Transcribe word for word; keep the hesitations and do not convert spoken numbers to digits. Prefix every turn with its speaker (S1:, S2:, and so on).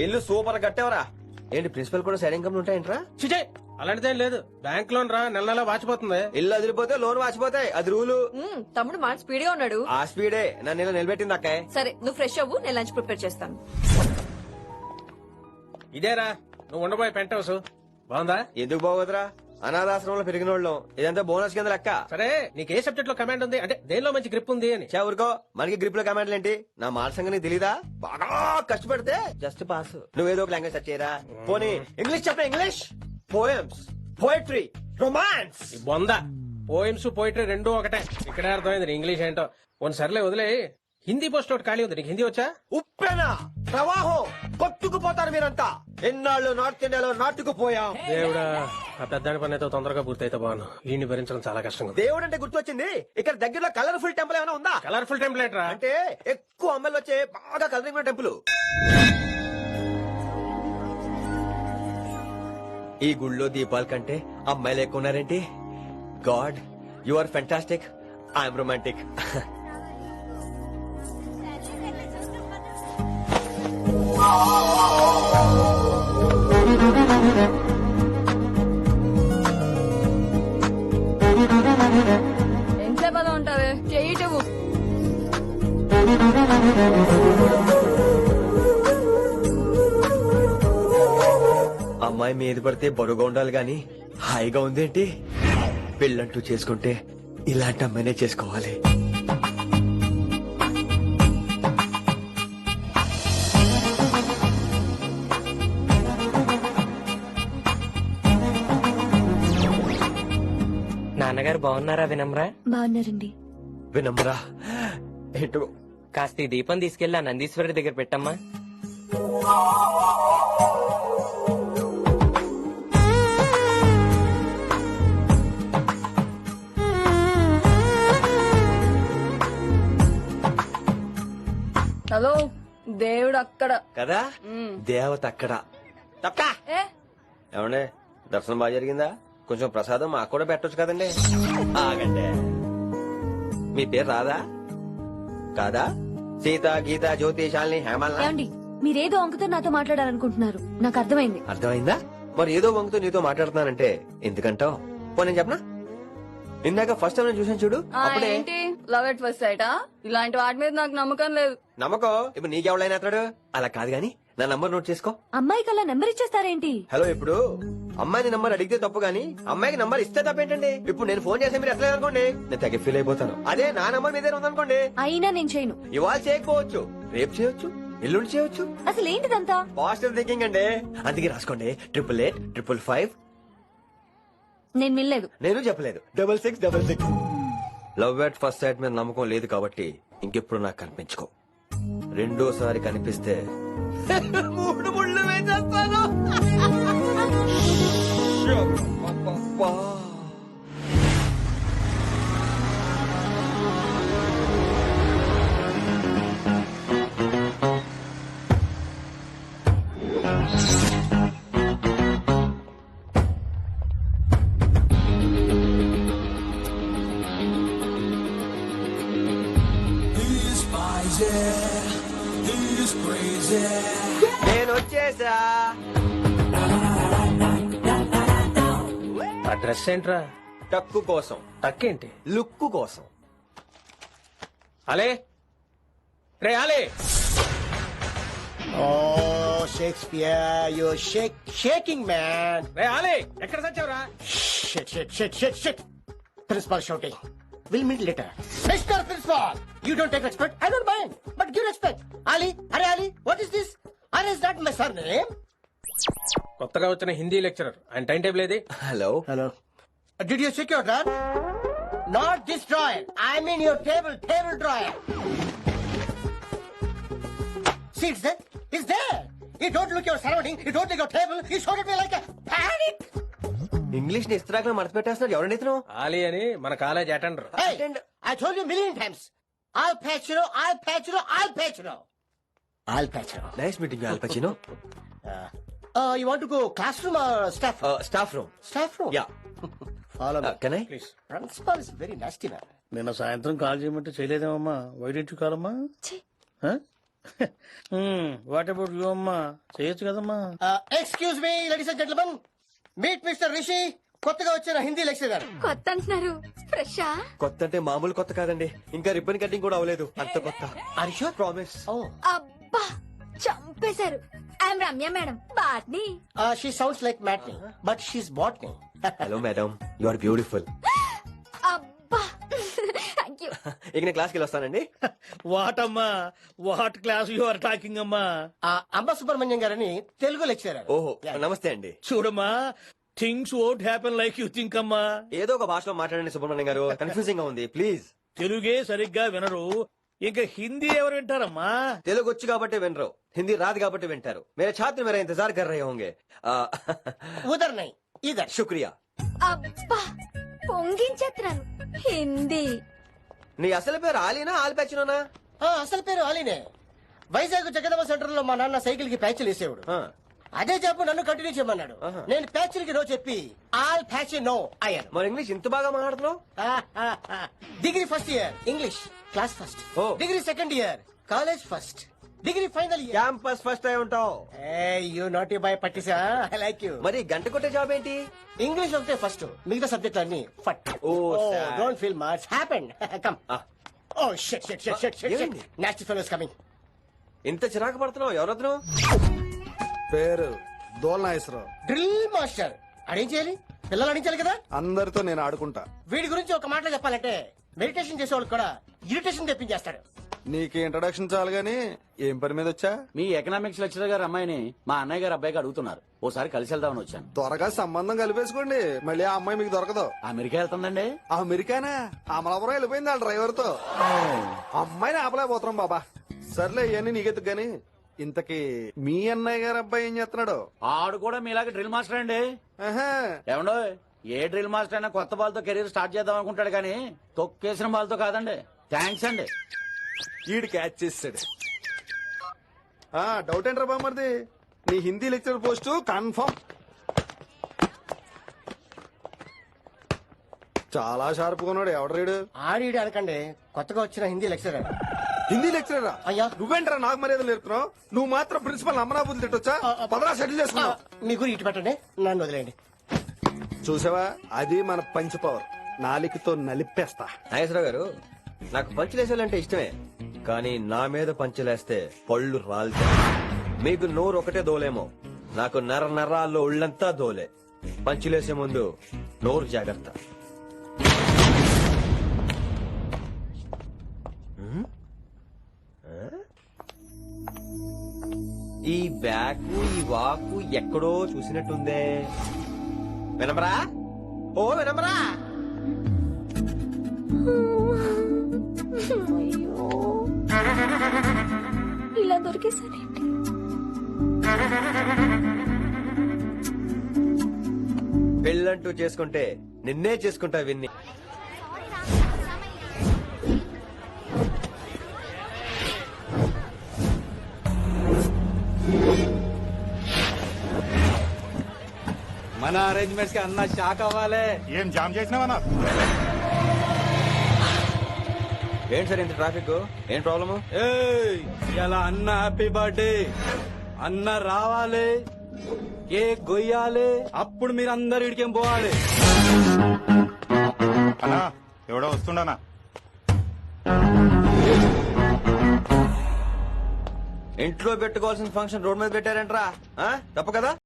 S1: ఇల్లు సూపర్ కట్టేవరా. ఏంటి ప్రిన్సిపల్ కూడా సైడ్ ఇన్కమ్ ఉంటాయంట్రా?
S2: చిచే అలాంటిదేం లేదు. బ్యాంక్ లోన్ రా నెల నెల వాచిపోతుంది.
S1: ఇల్లు అదిరిపోతే లోన్ వాచిపోతాయి, అది రూలు.
S3: మ్మ్, తమ్ముడు మాట స్పీడ్ గా ఉన్నాడు.
S1: ఆ స్పీడే నన్ను ఇలా నిలబెట్టింది అక్కే.
S3: సరే నువ్వు ఫ్రెష్ అవ్వు, నేను లంచ్ ప్రిపేర్ చేస్తాను.
S2: ఇదేరా నువ్వు ఉండబోయే పెంట్ హౌస్. బాగుందా?
S1: ఎందుకు బాగోదురా, అనాథాశ్రమంలో పెరిగిన వాళ్ళం. ఇదంతా బోనస్ కింద లెక్క.
S2: సరే నీకు ఏ సబ్జెక్ట్ లో కమాండ్ ఉంది, అంటే దేనిలో మంచి గ్రిప్ ఉంది అని.
S1: చా ఊరుకో, మనకి గ్రిప్ లో కమాండ్లు ఏంటి? నా మాట సంగతి నీకు తెలీదా? బాగా కష్టపడితే జస్ట్ పాస్. నువ్వేదో ఒక లాంగ్వేజ్ సెర్చ్ చేయరా. పోనీ ఇంగ్లీష్ చెప్పరా. English poems, poetry, romance.
S2: ఈ బొంద పోయిమ్స్ పోయిటరీ రెండు ఒకటే. ఇక్కడే అర్థమైంది నీ ఇంగ్లీష్ ఏంటో. కొన్ని సర్లే వదిలే. హిందీ పోస్ట్ ఒకటి ఖాళీ ఉంది, నీకు హిందీ వచ్చా?
S1: ఉప్పెన ప్రవాహం కొట్టుకుపోతారు మీరంతా. ఎన్నాళ్ళు నార్త్ ఇండియాలో నాటుకుపోయాం.
S2: దేవుడా, ఆ పెద్దాని పని అయితే తొందరగా పూర్తయితే బాను. వీడిని భరించడం చాలా కష్టంగా.
S1: దేవుడు అంటే గుర్తొచ్చింది, ఇక్కడ దగ్గరలో కలర్ఫుల్ టెంపుల్ ఏమైనా ఉందా?
S2: కలర్ఫుల్ టెంప్లెట్ రా.
S1: అంటే ఎక్కువ అమ్మాయిలు వచ్చే బాగా కలరింగ్ ఉన్న టెంపుల్. ఈ గుళ్ళో దీపాల కంటే అమ్మాయిలు ఎక్కువ ఉన్నారేంటి? God, you are fantastic, I'm romantic.
S3: ఎంత పదం ఉంటావే, చెయ్యి చెవు.
S1: అమ్మాయి మీద పడితే బరువుగా ఉండాలి గాని హాయిగా ఉందేంటి? పెళ్ళంటూ చేసుకుంటే ఇలాంటి అమ్మాయినే చేసుకోవాలి.
S4: నాన్నగారు బాగున్నారా వినమ్రా?
S5: బాగున్నారండి.
S1: వినమ్రా ఏంటో.
S4: కాస్త ఈ దీపం తీసుకెళ్లి ఆ నందీశ్వరుడి దగ్గర పెట్టమ్మా.
S3: హలో, దేవుడు అక్కడ
S1: కదా,
S3: మ్మ్.
S1: దేవత అక్కడ. తప్పకా
S3: ఏ
S1: ఏమండే, దర్శనం బాగా జరిగిందా? కొంచెం ప్రసాదం మాకు కూడా పెట్టొచ్చు కదండి. ఆగండి, మీ పేరు రాదా? కాదా? సీత, గీత, జ్యోతి, శాలిని, హేమల్.
S5: ఏమండి, మీరేదో అంకుతో నాతో మాట్లాడాలనుకుంటున్నారు, నాకు అర్థమైంది.
S1: అర్థమైందా? మరి ఏదో వంగుతో నీతో మాట్లాడుతున్నానంటే ఎందుకంటావు? పో నేను చెప్పనా, ఇందాక ఫస్ట్ టైం నేను చూసాను చూడు,
S3: ఆ,
S1: అప్పుడే.
S3: ఏంటి లవ్ ఎట్ ఫస్ట్ సైటా? ఇలాంటి వాటి మీద నాకు నమ్మకం లేదు.
S1: నమ్మకం ఇప్పుడు నీకెవడైనా అతడు. అలా కాదు గాని నా నంబర్ నోట్ చేసుకో.
S5: అమ్మాయికి అలా నెంబర్ ఇచ్చేస్తారేంటి?
S1: హలో, ఇప్పుడు అమ్మాయిని నంబర్ అడిగితే తప్పు గానీ అమ్మాయికి నంబర్ ఇస్తే తప్పేంటండి? ఇప్పుడు నేను ఫోన్ చేస్తే మీరు ఎట్లా అనుకోండి, నేను తగ్గ ఫీల్ అయిపోతాను. అదే నా నంబర్ మీదే ఉందనుకోండి,
S5: అయినా నేను చేయను.
S1: ఇవాళ చేయకపోవచ్చు, రేపు చేయొచ్చు, ఎల్లుండి చేయొచ్చు.
S5: అసలు ఏంటిదంతా?
S1: పాజిటివ్ థింకింగ్ అండి. అందుకే రాసుకోండి, ట్రిపుల్ ఎయిట్ ట్రిపుల్ ఫైవ్.
S5: నేను వినలేదు.
S1: నేను చెప్పలేదు, double six double six. Love at first sight మీద నమ్మకం లేదు కాబట్టి ఇంకెప్పుడు నాకు కనిపించుకో. రెండోసారి కనిపిస్తే మూడు ముళ్ళు వేసేస్తాను. అబ్బబ్బబ్బా. నేను వచ్చేసా.
S2: ఆ డ్రెస్ ఏంట్రా?
S1: టక్కు కోసం,
S2: టక్కేంటి?
S1: లుక్కు కోసం.
S2: అలే రే అలే.
S6: Oh, Shakespeare, you're shake, shaking, man.
S2: రే అలే, ఎక్కడ సచ్చావురా?
S6: Shit, shit, shit, shit, shit. Principal shouting. We'll meet later. Mister Principal, you don't take respect. I don't mind, but give respect. Ali, Hare Ali, what is this? Are is that my surname?
S2: కొత్తగా వచ్చిన Hindi lecturer, ఆయన time table ఏది?
S1: Hello
S6: Hello. Uh, did you check your drawer? Not this drawer. I mean your table, table drawer. See, it's there. It's there. You don't look your surrounding. You don't look your table. You shot at me like a panic.
S1: English ని ఇస్త్రాకులో మడత పెట్టేస్తున్నాడు. ఎవరండి ఇతను?
S2: ఆలీ అని మన college attender.
S6: Hey, I told you a million times. I'll patch you. I'll patch you. I'll patch you. I'll patch you.
S1: Nice meeting Al Pacino.
S6: Uh, uh, you want to go classroom or staff room?
S1: Staff room.
S6: Staff room.
S1: Yeah.
S6: Follow me.
S1: Can I?
S2: Please.
S6: Principal is very nasty man.
S7: నిన్న సాయంత్రం call చేయమంటే చేయలేదేమమ్మా? Why didn't you call అమ్మా?
S5: ఛీ.
S7: Huh? What about you అమ్మా చేయొచ్చు కదమ్మా.
S6: Excuse me ladies and gentlemen, meet mister Rishi, కొత్తగా వచ్చిన హిందీ లెక్చరర్.
S5: కొత్త అంటున్నారు, ఫ్రెషా?
S1: కొత్త అంటే మామూలు కొత్త కాదండి, ఇంకా రిబ్బన్ కటింగ్ కూడా అవ్వలేదు, అంత కొత్త.
S6: Are you sure?
S1: ప్రామిస్.
S6: ఓ
S5: అబ్బా చంపేశారు. I'm Ramya madam, botany.
S6: She sounds like matinee but she's botany.
S1: Hello madam, you are beautiful.
S5: అబ్బా థ్యాంక్ యూ.
S1: ఇక నేను క్లాస్కి వెళ్ళి వస్తానండి.
S7: వాట్ అమ్మా, what class you are talking అమ్మా.
S6: అంబ సుబ్రహ్మణ్యం గారని తెలుగు లెక్చరర్.
S1: ఓహో నమస్తే అండి.
S7: చూడమ్మా, things won't happen like you think అమ్మా.
S1: ఏదో ఒక భాషలో మాట్లాడండి సుబ్రహ్మణ్యం గారు, కన్ఫ్యూజింగ్ గా ఉంది, ప్లీజ్.
S7: తెలుగే సరిగ్గా వినరు, ఇంకా హిందీ ఎవరు వింటారమ్మా?
S1: తెలుగు వచ్చు కాబట్టి వినరు, హిందీ రాదు కాబట్టి వింటారు. మేరే ఛాత్ర మేరా ఇంతజార్ కర్ రహే హోంగే. ఆ,
S6: ఉదర్ నై ఇదర్.
S1: శుక్రియా.
S5: అబ్బా పొంగించేస్తున్నాను. హిందీ
S1: నీ అసలు పేరు ఆలీనా ఆల్పచ్చినోనా?
S6: ఆ, అసలు పేరు అలీనే. వైజాగ్ జగదమ్మ సెంటర్ లో మా నాన్న సైకిల్ కి ప్యాచ్లు వేసేవాడు. అదే జాబ్ నన్ను కంటిన్యూ చేయమన్నాడు.
S1: ఆహా.
S6: నేను ప్యాచ్లకి నో చెప్పి ఆల్ ప్యాచ్ నో అయ్యాను.
S1: మరి ఇంగ్లీష్ ఇంత బాగా మాట్లాడుతున్నావు?
S6: Degree first year English class first.
S1: ఓ.
S6: Degree second year college first. Degree final year
S1: campus first అయి ఉంటావు.
S6: యూ నాట్ బాయ్ పట్టిసా. I like you.
S1: మరి గంట కొట్టే జాబ్ ఏంటి?
S6: ఇంగ్లీష్ ఒకటే ఫస్ట్, మిగతా సబ్జెక్ట్ అన్ని ఫట్.
S1: ఓ, sad.
S6: Don't feel much happen. Come.
S1: ఆ,
S6: ఓ shit shit shit shit shit.
S1: ఏమైంది?
S6: Next fellows coming.
S1: ఇంత చిరాకు పడుతున్నావు, ఎవరొద్దు?
S8: పేరు దోల్నాగేశ్వరరావు.
S6: Drill master. అడేం చేయాలి? పిల్లలు అడించాలి కదా.
S8: అందరితో నేను ఆడుకుంటా.
S6: వీడి గురించి ఒక మాటలో చెప్పాలంటే మెడిటేషన్ చేసేవాళ్ళు కూడా ఇరిటేషన్ తెప్పించేస్తాడు.
S8: నీకు ఇంట్రడక్షన్ చాలు గాని ఏం పని మీద వచ్చా?
S9: మీ ఎకనామిక్స్ లెక్చరర్ గారు అమ్మాయిని మా అన్నయ్య గారు అబ్బాయికి అడుగుతున్నారు, ఓసారి కలిసి వెళ్దామని వచ్చాను.
S8: త్వరగా సంబంధం కలిపేసుకోండి, మళ్ళీ ఆ అమ్మాయి మీకు దొరకదు.
S9: అమెరికా వెళ్తుందండి.
S8: అమెరికానా? అమలాపురం వెళ్ళిపోయింది వాళ్ళ డ్రైవర్ తో. అమ్మాయిని ఆపలేకపోతున్నాం బాబా. సర్లే ఇవన్నీ నీకెత్తుకు గాని, ఇంతకీ మీ అన్నయ్య గారు అబ్బాయి ఏం చేస్తున్నాడు?
S9: ఆడు కూడా మీలాగే డ్రిల్ మాస్టర్ అండి.
S8: ఆహా.
S9: ఏమండో, ఏ డ్రిల్ మాస్టర్ అయినా కొత్త బాల్తో కెరీర్ స్టార్ట్ చేద్దాం అనుకుంటాడు కానీ తొక్కేసిన బాల్తో కాదండి. థ్యాంక్స్ అండి.
S8: ఈడు క్యాచ్ చేసాడు. ఆ డౌట్ ఏంట్రా బామ్మర్ది, నీ హిందీ లెక్చర్ పోస్ట్ కన్ఫర్మ్. చాలా షార్ప్ కొన్నాడు. ఎవడరీడు?
S6: ఆడిడి అనకండి, కొత్తగా వచ్చిన హిందీ లెక్చరర్.
S8: హిందీ లెక్చరరా?
S6: అయ్యా.
S8: నువ్వేంట్రా నాకు మర్యాద నేర్పుతున్నావు? నువ్వు మాత్రం ప్రిన్సిపల్ అమ్మనాబుద్ధి తిట్టొచ్చా? పదరా సెటిల్ చేసుకున్నావు.
S6: మీ గురి ఇటు పెట్టండి, నన్ను వదిలేయండి.
S8: చూసావా, అది మన పంచ్ పవర్. నాలికతో నలిపేస్తా.
S1: నాగేశ్వరరావు గారు, నాకు పంచులేసాలంటే ఇష్టమే, కానీ నా మీద పంచులేస్తే పళ్ళు రాలుతాయి. మీకు నోరు ఒకటే దోలేమో, నాకు నర నరాల్లో ఉళ్ళంతా దోలే. పంచులేసే ముందు నోరు జాగ్రత్త. హ్మ్? ఆ? ఈ బ్యాకు ఈ వాకు ఎక్కడో చూసినట్టుందే. వినమరా? ఓ వినమరా?
S5: అయ్యో ఇలా దొరికేసారేంటి?
S1: పెళ్ళంటూ చేసుకుంటే నిన్నే చేసుకుంటా విన్ని.
S9: మన అరేంజ్మెంట్స్ కి అన్న షాక్ అవ్వాలి.
S10: ఏం జామ్ చేసినావా?
S1: ఏంటి సార్ ఇంత ట్రాఫిక్? ఏం ప్రాబ్లము?
S9: ఇలా అన్న హ్యాపీ బర్త్డే, అన్న రావాలి, కేక్ గొయ్యాలి, అప్పుడు మీరు అందరు ఇడికేం పోవాలి.
S10: అన్నా ఎవడో వస్తుండనా?
S1: ఇంట్లో పెట్టుకోవాల్సిన ఫంక్షన్ రోడ్ మీద పెట్టారంట్రా? ఆ? తప్పు కదా?